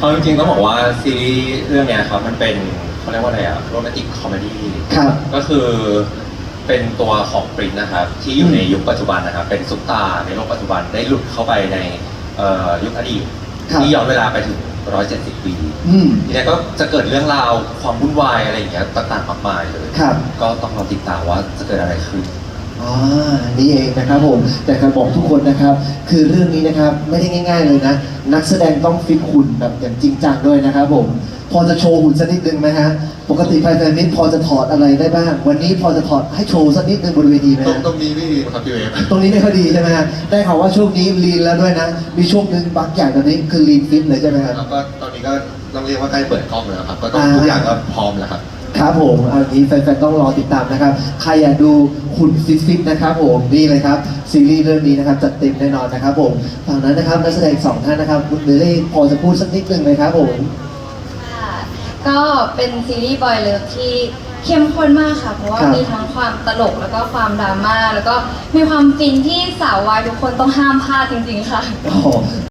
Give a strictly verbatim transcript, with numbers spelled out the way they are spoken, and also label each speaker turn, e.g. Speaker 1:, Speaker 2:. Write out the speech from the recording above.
Speaker 1: เอาจริงๆต้องบอกว่าซีรีส์เรื่องเนี้ยครับมันเป็นเขาเรียกว่าอะไรอะโรแมนติกคอมเมดี้
Speaker 2: ครับ
Speaker 1: ก็คือเป็นตัวของปรินนะครับที่อยู่ในยุคปัจจุบันนะครับเป็นซุปตาร์ในโลกปัจจุบันได้หลุดเข้าไปในเอ่อยุคอดีต
Speaker 2: ครับ
Speaker 1: ที่ย้อนเวลาไปถึงหนึ่งร้อยเจ็ดสิบปี
Speaker 2: อืม
Speaker 1: ทีนี้ก็จะเกิดเรื่องราวความวุ่นวายอะไรอย่างเงี้ยต่างๆมากมายเลย
Speaker 2: ครับ
Speaker 1: ก็ต้องรอติดตามว่าจะเกิดอะไรขึ้น
Speaker 2: อ่านี่เองนะครับผมแต่การบอกทุกคนนะครับ คือเรื่องนี้นะครับไม่ได้ง่าย ๆเลยนะ นักแสดงต้องฟิตหุ่นแบบอย่างจริงจังด้วยนะครับผมพอจะโชว์หุ่นสักนิดนึงไหมฮะปกติไฟแฟนมิตรพอจะถอดอะไรได้บ้าง วันนี้พอจะถอดให้โชว์สักนิดนึงบนเวทีไหม
Speaker 1: ตรง
Speaker 2: ฮะ
Speaker 1: ตรงนี้ไม่ดีครับพี่เวฟ
Speaker 2: ตรงนี้ไม่ค่อยดีใช่ไหมฮะได้ข่าวว่าช่วงนี้ลีนแล้วด้วยนะ มีช่วงหนึ่งบักใหญ่ตอนนี้คือลีนฟิตเลยใช่ไหมครับ
Speaker 1: แล้วก็ตอนนี้ก็ต้องเรียกว่าใกล้เปิดกล้องแล้วครับก็ต้อง
Speaker 2: อ่า
Speaker 1: ทุกอย่างก็พร้อมแล้วครับ
Speaker 2: ครับผมอันนี้แฟนๆต้องรอติดตามนะครับ ใครอยากดูหุ่นฟิตๆนะครับผมนี่เลยครับซีรีส์เรื่องนี้นะครับจัดเต็มแน่นอนนะครับผมฝั่งนั้นนะครับนักแสดงสองท่านนะครับคุณเบลลี่พอจะพูดสักนิดนึงไหมครับผม
Speaker 3: ค่ะก็เป็นซีรีส์บอยเลิฟที่เข้มข้นมากค่ะ เพราะว่า
Speaker 2: ครับ
Speaker 3: มีทั้งความตลกแล้วก็ความดราม่าแล้วก็มีความฟินที่สาววายทุกคนต้องห้ามพลาดจริงๆค่ะ
Speaker 2: โอ้โห